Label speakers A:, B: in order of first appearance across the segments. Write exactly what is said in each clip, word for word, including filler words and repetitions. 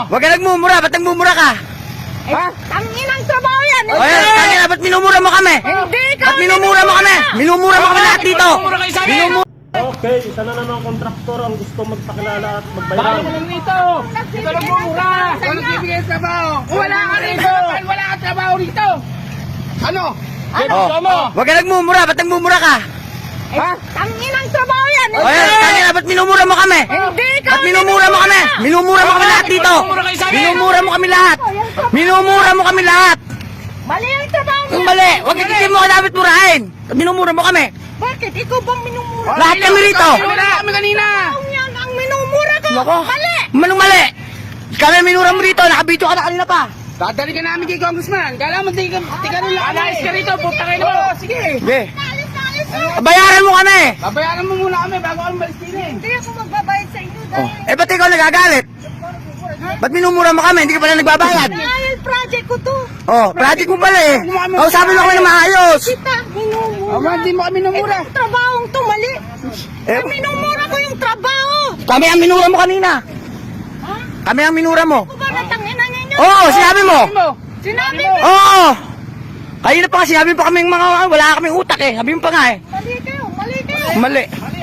A: Huwag ka nagmumura, ba't nagmumura ka?
B: Ha? Tanginang trabaho yan.
A: O yan, tangina, ba't minumura mo kami?
B: Hindi ka.
A: Ba't minumura mo kami? Minumura mo kami lahat dito. Minumura.
C: Okay, isa na naman ang kontraktor ang gusto magpakilala at
D: Bago
C: magbayaran.
D: mo lang dito! Ito lang mura! Walang bibigay ng trabaho! Wala ka rito! Wala ka trabaho rito! Ano? Ano?
A: Oh.
D: mo?
A: Huwag ka nagmumura, ba't nagmumura ka?
D: Ha?
B: Tanginang trabaho yan.
A: O yan, tangina, ba't minumura mo kami?
B: Hindi ka.
A: Ba't minumura mo kami? Minumura mo kami lahat dito. Minumura mo kami lahat. Minumura mo kami lahat.
B: Mali ang trabaho
A: Yung
B: niya.
A: mali, huwag ka mo ka dapat murahin. Ba't minumura mo kami?
B: Bakit? Ikaw bang minumura?
A: Lahat kami rito.
D: Wala kami kanina!
B: Ang yan ang minumura ko.
A: Nako.
B: Mali.
A: Manong mali. Kami minura mo rito, nakabito ka na kanina pa.
D: Dadali ka namin kay Congressman! Kala mo di ka, di ka rin lang! Alayos ka rito! Punta kayo mo! Sige!
A: Sige.
B: Alis na, alis na.
A: Bayaran mo kami.
D: Babayaran mo muna kami bago kami malis din eh!
B: Hindi ako magbabayad sa inyo dahil
A: Eh, ba't ikaw nagagalit? Ba't minumura mo kami? Hindi ka pala nagbabayad.
B: dahil project ko to.
A: Oh, project mo pala eh. Oh, sabi mo kami na maayos.
B: Kita, minumura.
D: Ama, di mo kami namura!
B: Itong trabahong to, mali.
A: Eh,
B: Minumura ko yung trabaho.
A: kami ang minura mo kanina.
B: Ha?
A: Kami ang minura mo.
B: Ako ba natanginan ninyo?
A: Oo, oh, sinabi mo.
B: Sinabi mo.
A: Oo. Kanina pa nga sinabi pa kaming mga wala kaming utak eh. Sabi mo pa nga eh.
B: Mali kayo, mali kayo.
A: Mali.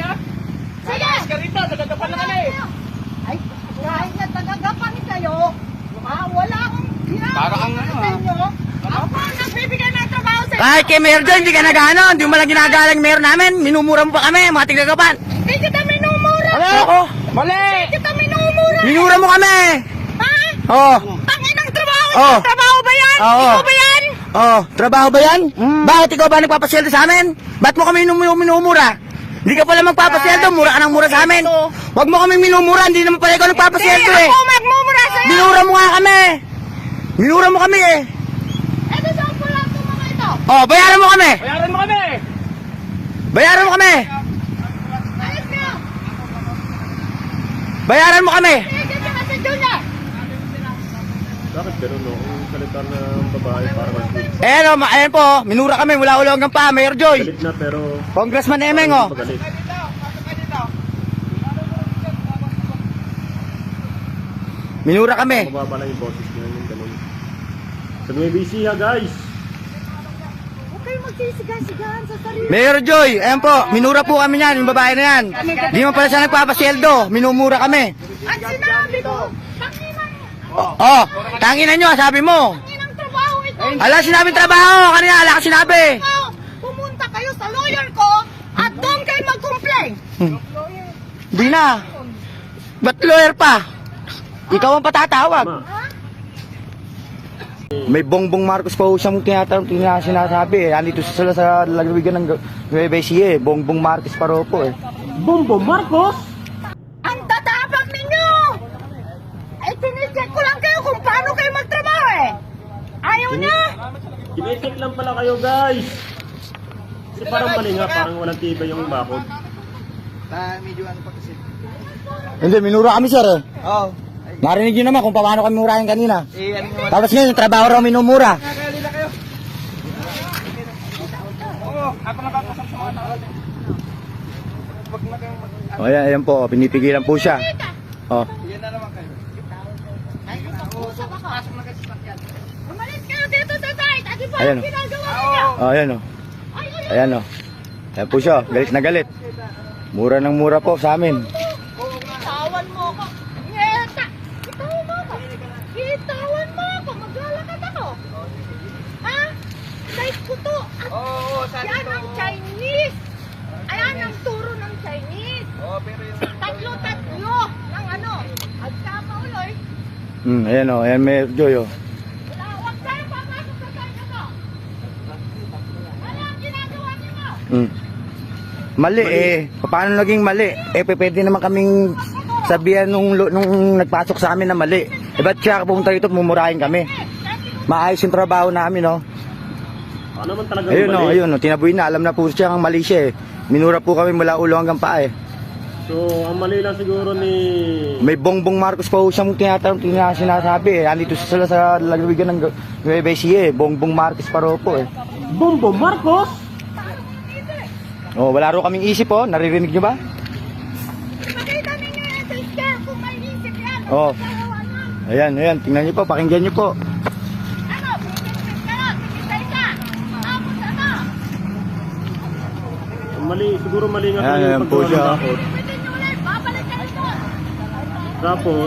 B: Sige.
D: Ka rito! Nagagapan na kami!
B: Ay, kahit na tagagapan kayo, ah, wala akong ginagawa
D: Para kang ano,
B: sa inyo. Ako ang nagbibigay ng trabaho sa inyo.
A: Kahit kay Mayor Joy, hindi ka nagano. Hindi mo malang ginagalang Mayor namin. Minumura mo pa kami, mga tigagapan.
B: Hindi kita minumura.
A: Ano ako?
D: Mali!
B: Hindi kita minumura.
A: Minura mo kami.
B: Ha?
A: Oo.
B: Tanginang trabaho.
A: Oh.
B: Trabaho ba yan?
A: Oo.
B: Ikaw ba yan?
A: Oh, trabaho ba yan? Bakit ikaw ba nagpapasweldo sa amin? Ba't mo kami minum- minumura? Hindi ka pala magpapasweldo, mura ka ng mura sa amin. Huwag mo kami minumura, hindi naman pala ikaw
B: Hindi,
A: nagpapasweldo eh.
B: ako magmumura sa'yo.
A: Minura mo nga kami. Minura mo kami eh.
B: Ito saan po lang itong mga ito?
A: Oh, bayaran mo kami.
D: Bayaran mo kami!
A: Bayaran mo kami.
B: Alis kayo.
A: Bayaran mo kami.
B: Sige, sige, kasi Junior.
C: Bakit gano'n no? Ang salita ng babae para mag-tweet.
A: Eh no, ma- ayan po, minura kami mula ulo hanggang pa, Mayor Joy.
C: Galit na pero
A: Congressman Emeng oh.
C: magalit.
A: Minura kami.
C: Mababa lang yung boses niya yung gano'n. Sa Nueva Ecija guys!
B: Huwag kayong magsisigaw-sigahan sa sarili.
A: Mayor Joy, ayan po, minura po kami yan, yung babae na yan. Di mo pala siya nagpapasweldo, minumura kami.
B: At sinabi ko, tanginang,
A: Oh, tangina nyo, sabi mo.
B: tanginang trabaho ito.
A: Ala, sinabing trabaho, kanina, ala ka sinabi.
B: Ikaw, pumunta kayo sa lawyer ko at doon kayo mag-complain.
A: Di na. Ba't lawyer pa? Ikaw ang patatawag.
C: Ma,
A: May Bongbong Marcos pa ho siyang tinatanong, tina- sinasabi eh. Andito sila sa lalawigan ng Nueva Ecija eh. Bongbong Marcos pa raw po eh.
C: Bombo Marcos!
B: Ang tatapag ninyo! Ay, tinicheck ko lang kayo kung paano kayo magtrabaho eh. Ayaw niya?
C: Kinecheck lang pala kayo guys! Kasi parang mali nga, parang walang tibay yung bakod.
A: Hindi, minura kami sir eh. Oo. Narinig nyo naman kung paano kami murahin kanina. Tapos ngayon, yung trabaho raw minumura. O yan, ayan po, pinipigilan po siya. Oh.
B: Ay, usap ako. Umalis kayo dito sa site. At iba
A: Ayan,
B: ang
A: oh.
B: ginagawa niya.
A: Oh, ayan o.
B: Ay, ay,
A: Ayan o. Ayan po siya, galit na galit. Mura ng mura po sa amin.
B: Bitawan mo ako. Ngeta! Bitawan mo ako. Bitawan mo ako. Maglalakad ako. Ha? Site ko to. At
D: Oo, sabi
B: yan ang Chinese. Ayan ang turo ng Chinese.
D: Oo, pero yung...
B: Tatlo-tatlo ng ano. At sama uloy.
A: Hmm, ayan o, ayan Mayor Joy o.
B: Wala, huwag kayo papasok sa site ko. Ano ang ginagawa niyo mo?
A: Hmm. Mali eh. Paano naging mali? Eh, pe- pwede naman kaming sabihan nung, nung nagpasok sa amin na mali. Eh, ba't siya pumunta rito at mumurahin kami? Maayos yung trabaho namin, no?
C: Ano naman talaga
A: Ayun, no,
C: mali?
A: ayun, no. Tinaboy na. Alam na po siya ang mali siya, eh. Minura po kami mula ulo hanggang paa, eh.
C: So, ang mali lang siguro ni...
A: May Bongbong Marcos pa ho siyang tinatanong, tina- sinasabi, eh. Andito sila sa lalawigan ng Nueva Ecija, eh. Bongbong Marcos pa raw po, eh.
C: Bombo Marcos?
A: Oh, wala raw kaming isip, oh. Naririnig nyo ba?
B: Makita ninyo yan sa scan kung may isip yan.
A: Oo.
B: Gagawa na.
A: Ayan, ayan, tingnan niyo po, pakinggan niyo po.
B: Ano? Pipit ka na. Pipit sa isa. Tapos ano?
C: Mali, siguro mali nga
A: Ayan,
C: kayo
A: ayan
C: yung
A: po
C: paggawa
A: siya.
C: ng takot.
B: Pipitin nyo ulit. Babalik ka rin doon.
C: Tapos,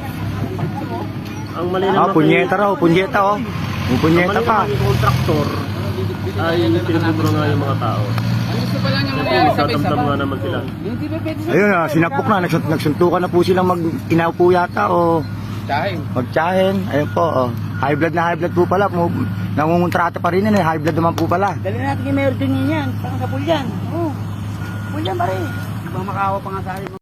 C: ang mali
A: Ah,
C: naman
A: punyeta raw, punyeta oh. May
C: ang
A: punyeta
C: mali
A: pa.
C: naman yung kontraktor ay pinagduduro nga yung mga tao.
D: Gusto pa lang yung
C: Siyempre,
D: mangyari sa
C: nagtatamtam nga naman sila.
D: Hindi ba pwede sa
A: Ayun ah, sinapok na, nagsunt nagsuntukan na po silang mag inaupo yata o
D: Dahil.
A: magtsahin. Ayun po, oh. High blood na high blood po pala. Mu- Nangungontrata pa rin yun eh, high blood naman po pala.
E: Dali natin kay Mayor Dunian yan, parang sa Pulyan. Oo. Pulyan pa rin. Ibang makawa pa nga sa akin.